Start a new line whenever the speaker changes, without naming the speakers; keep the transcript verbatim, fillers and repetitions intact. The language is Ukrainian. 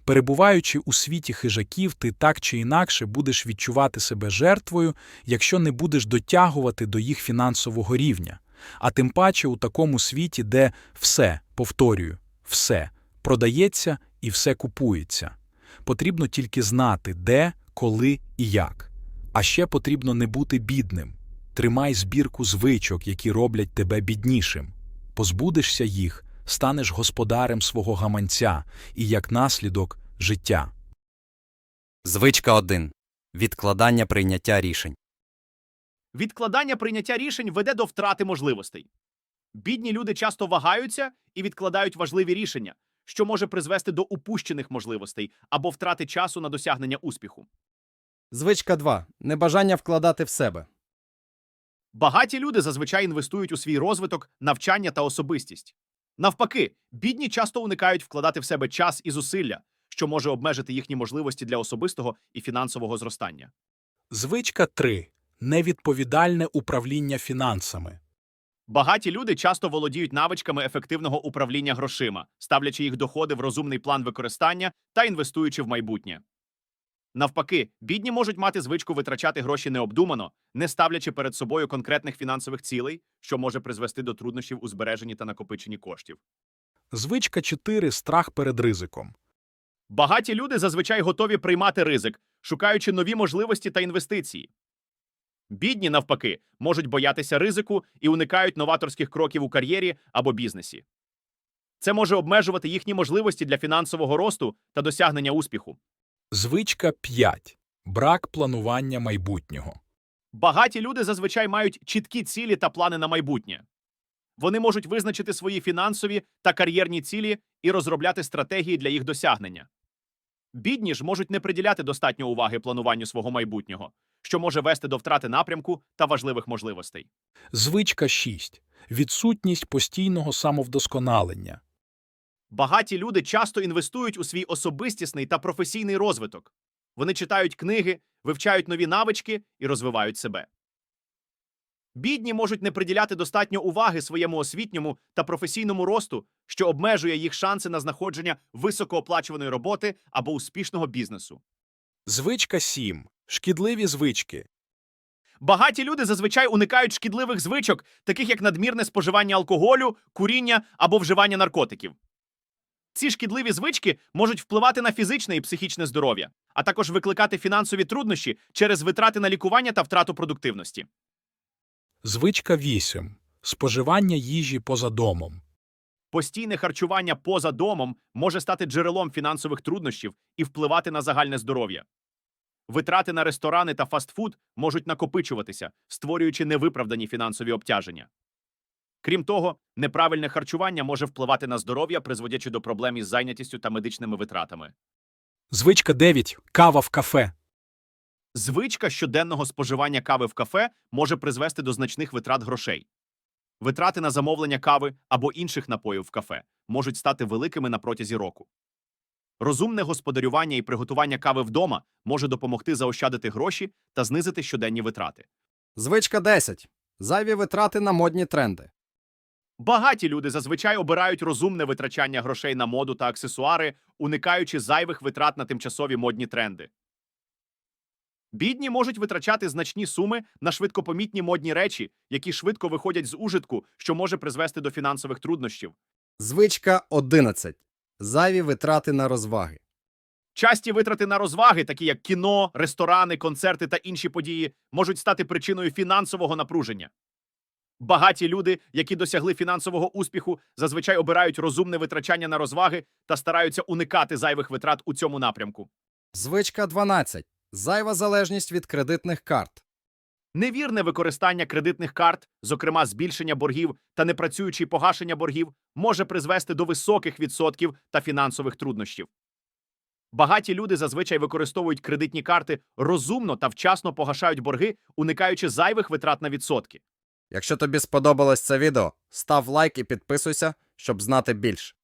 Перебуваючи у світі хижаків, ти так чи інакше будеш відчувати себе жертвою, якщо не будеш дотягувати до їх фінансового рівня. А тим паче у такому світі, де все, повторюю, все продається і все купується. Потрібно тільки знати, де, коли і як. А ще потрібно не бути бідним. Тримай збірку звичок, які роблять тебе біднішим. Позбудешся їх, станеш господарем свого гаманця і, як наслідок, життя.
Звичка один. Відкладання прийняття рішень.
Відкладання прийняття рішень веде до втрати можливостей. Бідні люди часто вагаються і відкладають важливі рішення, що може призвести до упущених можливостей або втрати часу на досягнення успіху.
Звичка два. Небажання вкладати в себе.
Багаті люди зазвичай інвестують у свій розвиток, навчання та особистість. Навпаки, бідні часто уникають вкладати в себе час і зусилля, що може обмежити їхні можливості для особистого і фінансового зростання.
Звичка три. Невідповідальне управління фінансами.
Багаті люди часто володіють навичками ефективного управління грошима, ставлячи їх доходи в розумний план використання та інвестуючи в майбутнє. Навпаки, бідні можуть мати звичку витрачати гроші необдумано, не ставлячи перед собою конкретних фінансових цілей, що може призвести до труднощів у збереженні та накопиченні коштів.
Звичка чотири. Страх перед ризиком.
Багаті люди зазвичай готові приймати ризик, шукаючи нові можливості та інвестиції. Бідні, навпаки, можуть боятися ризику і уникають новаторських кроків у кар'єрі або бізнесі. Це може обмежувати їхні можливості для фінансового росту та досягнення успіху.
Звичка п'ять. Брак планування майбутнього.
Багаті люди зазвичай мають чіткі цілі та плани на майбутнє. Вони можуть визначити свої фінансові та кар'єрні цілі і розробляти стратегії для їх досягнення. Бідні ж можуть не приділяти достатньо уваги плануванню свого майбутнього, що може вести до втрати напрямку та важливих можливостей.
Звичка шість. Відсутність постійного самовдосконалення.
Багаті люди часто інвестують у свій особистісний та професійний розвиток. Вони читають книги, вивчають нові навички і розвивають себе. Бідні можуть не приділяти достатньо уваги своєму освітньому та професійному росту, що обмежує їх шанси на знаходження високооплачуваної роботи або успішного бізнесу.
Звичка сім. Шкідливі звички.
Багаті люди зазвичай уникають шкідливих звичок, таких як надмірне споживання алкоголю, куріння або вживання наркотиків. Ці шкідливі звички можуть впливати на фізичне і психічне здоров'я, а також викликати фінансові труднощі через витрати на лікування та втрату продуктивності.
Звичка вісім. Споживання їжі поза домом.
Постійне харчування поза домом може стати джерелом фінансових труднощів і впливати на загальне здоров'я. Витрати на ресторани та фастфуд можуть накопичуватися, створюючи невиправдані фінансові обтяження. Крім того, неправильне харчування може впливати на здоров'я, призводячи до проблем із зайнятістю та медичними витратами.
Звичка дев'ять. Кава в кафе.
Звичка щоденного споживання кави в кафе може призвести до значних витрат грошей. Витрати на замовлення кави або інших напоїв в кафе можуть стати великими на протязі року. Розумне господарювання і приготування кави вдома може допомогти заощадити гроші та знизити щоденні витрати.
Звичка десять. Зайві витрати на модні тренди.
Багаті люди зазвичай обирають розумне витрачання грошей на моду та аксесуари, уникаючи зайвих витрат на тимчасові модні тренди. Бідні можуть витрачати значні суми на швидкопомітні модні речі, які швидко виходять з ужитку, що може призвести до фінансових труднощів.
Звичка одинадцять. Зайві витрати на розваги.
Часті витрати на розваги, такі як кіно, ресторани, концерти та інші події, можуть стати причиною фінансового напруження. Багаті люди, які досягли фінансового успіху, зазвичай обирають розумне витрачання на розваги та стараються уникати зайвих витрат у цьому напрямку.
Звичка дванадцять. Зайва залежність від кредитних карт.
Невірне використання кредитних карт, зокрема збільшення боргів та непрацюючі погашення боргів, може призвести до високих відсотків та фінансових труднощів. Багаті люди зазвичай використовують кредитні карти розумно та вчасно погашають борги, уникаючи зайвих витрат на відсотки.
Якщо тобі сподобалось це відео, став лайк і підписуйся, щоб знати більше.